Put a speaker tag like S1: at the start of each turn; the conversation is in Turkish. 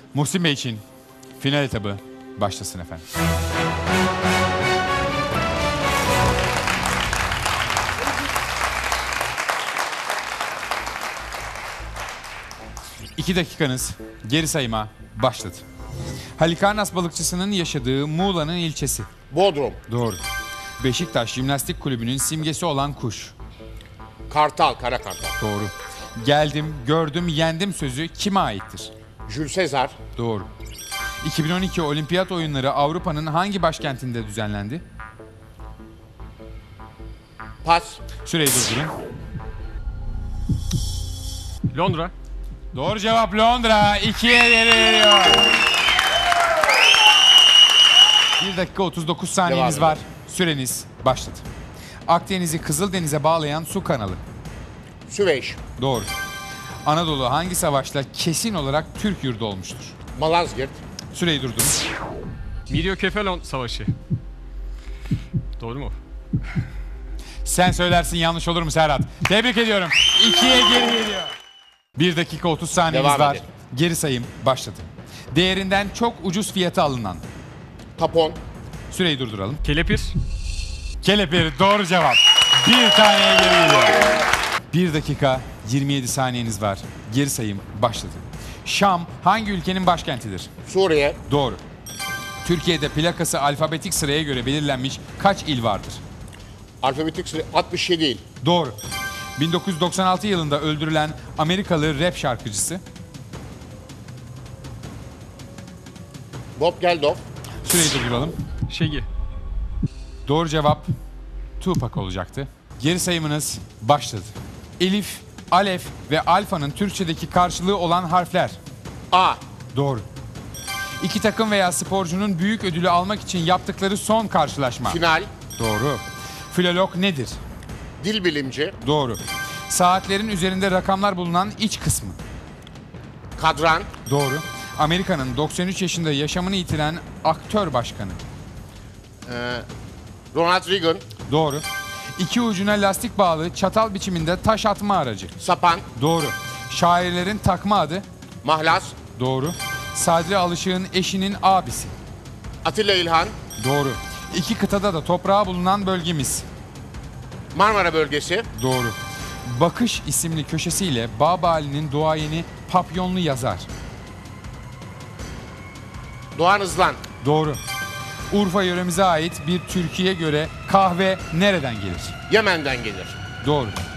S1: Muhsin Bey için final etabı başlasın efendim. İki dakikanız geri sayıma başladı. Halikarnas balıkçısının yaşadığı Muğla'nın ilçesi.
S2: Bodrum.
S1: Doğru. Beşiktaş Jimnastik Kulübü'nün simgesi olan kuş.
S2: Kartal, kara kartal.
S1: Doğru. Geldim, gördüm, yendim sözü kime aittir?
S2: Jules Sezar.
S1: Doğru. 2012 Olimpiyat Oyunları Avrupa'nın hangi başkentinde düzenlendi?
S2: Pas.
S1: Süreyi durdurun.
S3: Londra.
S1: Doğru cevap Londra. 2'ye geri veriyor. 1 dakika 39 saniyeniz
S2: Devam
S1: var. Süreniz başladı. Akdeniz'i Kızıldeniz'e bağlayan su kanalı.
S2: Süveyş.
S1: Doğru. Anadolu hangi savaşla kesin olarak Türk yurdu olmuştur?
S2: Malazgirt.
S1: Süreyi durdurun.
S3: Midyokefalon Savaşı. Doğru mu?
S1: Sen söylersin, yanlış olur mu Serhat? Tebrik ediyorum. 2'ye geri geliyor. 1 dakika 30 saniyeniz
S2: Devam
S1: var.
S2: edelim.
S1: Geri sayım başladı. Değerinden çok ucuz fiyata alınan.
S2: Tapon.
S1: Süreyi durduralım.
S3: Kelepir.
S1: Kelepir doğru cevap. Bir taneye geri geliyor. 1 dakika 27 saniyeniz var. Geri sayım başladı. Şam hangi ülkenin başkentidir?
S2: Suriye.
S1: Doğru. Türkiye'de plakası alfabetik sıraya göre belirlenmiş kaç il vardır?
S2: Alfabetik sıra 67 il.
S1: Doğru. 1996 yılında öldürülen Amerikalı rap şarkıcısı.
S2: Bob Geldof.
S1: Süreyi durduralım.
S3: Şegi.
S1: Doğru cevap Tupac olacaktı. Geri sayımınız başladı. Elif, alef ve alfanın Türkçedeki karşılığı olan harfler.
S2: A.
S1: Doğru. İki takım veya sporcunun büyük ödülü almak için yaptıkları son karşılaşma.
S2: Final.
S1: Doğru. Filolog nedir?
S2: Dil bilimci.
S1: Doğru. Saatlerin üzerinde rakamlar bulunan iç kısmı.
S2: Kadran.
S1: Doğru. Amerika'nın 93 yaşında yaşamını yitiren aktör başkanı.
S2: Ronald Reagan.
S1: Doğru. İki ucuna lastik bağlı çatal biçiminde taş atma aracı.
S2: Sapan.
S1: Doğru. Şairlerin takma adı.
S2: Mahlas.
S1: Doğru. Sadri Alışık'ın eşinin abisi.
S2: Atilla İlhan.
S1: Doğru. İki kıtada da toprağı bulunan bölgemiz.
S2: Marmara bölgesi.
S1: Doğru. Bakış isimli köşesiyle Babali'nin duayeni Papyonlu yazar.
S2: Doğan Hızlan.
S1: Doğru. Urfa yöremize ait bir türküye göre kahve nereden gelir?
S2: Yemen'den gelir.
S1: Doğru.